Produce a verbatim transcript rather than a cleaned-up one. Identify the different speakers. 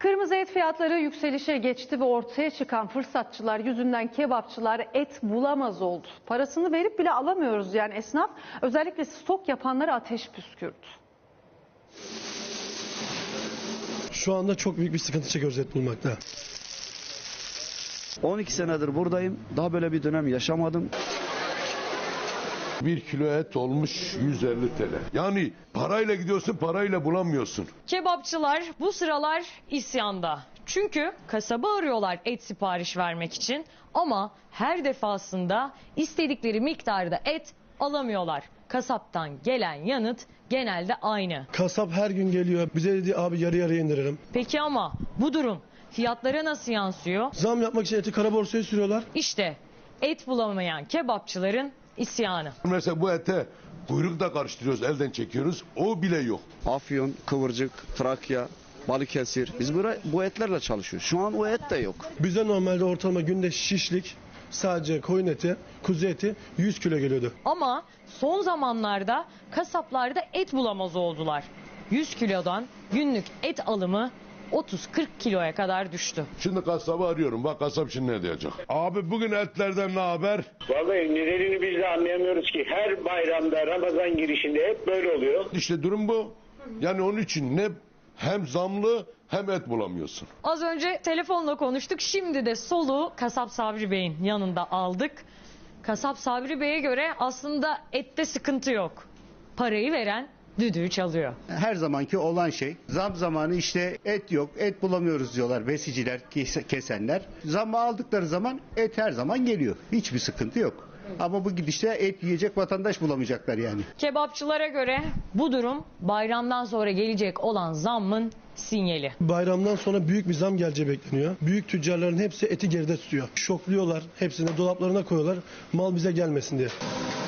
Speaker 1: Kırmızı et fiyatları yükselişe geçti ve ortaya çıkan fırsatçılar yüzünden kebapçılar et bulamaz oldu. Parasını verip bile alamıyoruz yani esnaf özellikle stok yapanlara ateş püskürdü.
Speaker 2: Şu anda çok büyük bir sıkıntı çekiyoruz et bulmakta.
Speaker 3: on iki senedir buradayım. Daha böyle bir dönem yaşamadım.
Speaker 4: Bir kilo et olmuş yüz elli T L. Yani parayla gidiyorsun, parayla bulamıyorsun.
Speaker 5: Kebapçılar bu sıralar isyanda. Çünkü kasaba arıyorlar et sipariş vermek için ama her defasında istedikleri miktarda et alamıyorlar. Kasaptan gelen yanıt genelde aynı.
Speaker 2: Kasap her gün geliyor. Bize dedi abi yarı yarıya indirelim.
Speaker 5: Peki ama bu durum fiyatlara nasıl yansıyor?
Speaker 2: Zam yapmak için eti kara borsaya sürüyorlar.
Speaker 5: İşte et bulamayan kebapçıların isyanı.
Speaker 4: Mesela bu ete kuyruk da karıştırıyoruz, elden çekiyoruz. O bile yok.
Speaker 3: Afyon, Kıvırcık, Trakya, Balıkesir. Biz buraya, bu etlerle çalışıyoruz. Şu an o et de yok.
Speaker 2: Bize normalde ortalama günde şişlik sadece koyun eti, kuzu eti yüz kilo geliyordu.
Speaker 5: Ama son zamanlarda kasaplarda et bulamaz oldular. yüz kilodan günlük et alımı otuz kırk kiloya kadar düştü.
Speaker 4: Şimdi kasabı arıyorum. Bak kasap şimdi ne diyecek? Abi bugün etlerden ne haber?
Speaker 6: Vallahi nedenini biz de anlayamıyoruz ki. Her bayramda, Ramazan girişinde hep böyle oluyor.
Speaker 4: İşte durum bu. Yani onun için ne hem zamlı hem et bulamıyorsun.
Speaker 5: Az önce telefonla konuştuk. Şimdi de soluğu Kasap Sabri Bey'in yanında aldık. Kasap Sabri Bey'e göre aslında ette sıkıntı yok. Parayı veren düdüğü çalıyor.
Speaker 7: Her zamanki olan şey. Zam zamanı işte et yok, et bulamıyoruz diyorlar besiciler, kesenler. Zamı aldıkları zaman et her zaman geliyor. Hiçbir sıkıntı yok. Ama bu gidişte et yiyecek vatandaş bulamayacaklar yani.
Speaker 5: Kebapçılara göre bu durum bayramdan sonra gelecek olan zammın sinyali.
Speaker 2: Bayramdan sonra büyük bir zam geleceği bekleniyor. Büyük tüccarların hepsi eti geride tutuyor. Şokluyorlar, hepsini dolaplarına koyuyorlar mal bize gelmesin diye.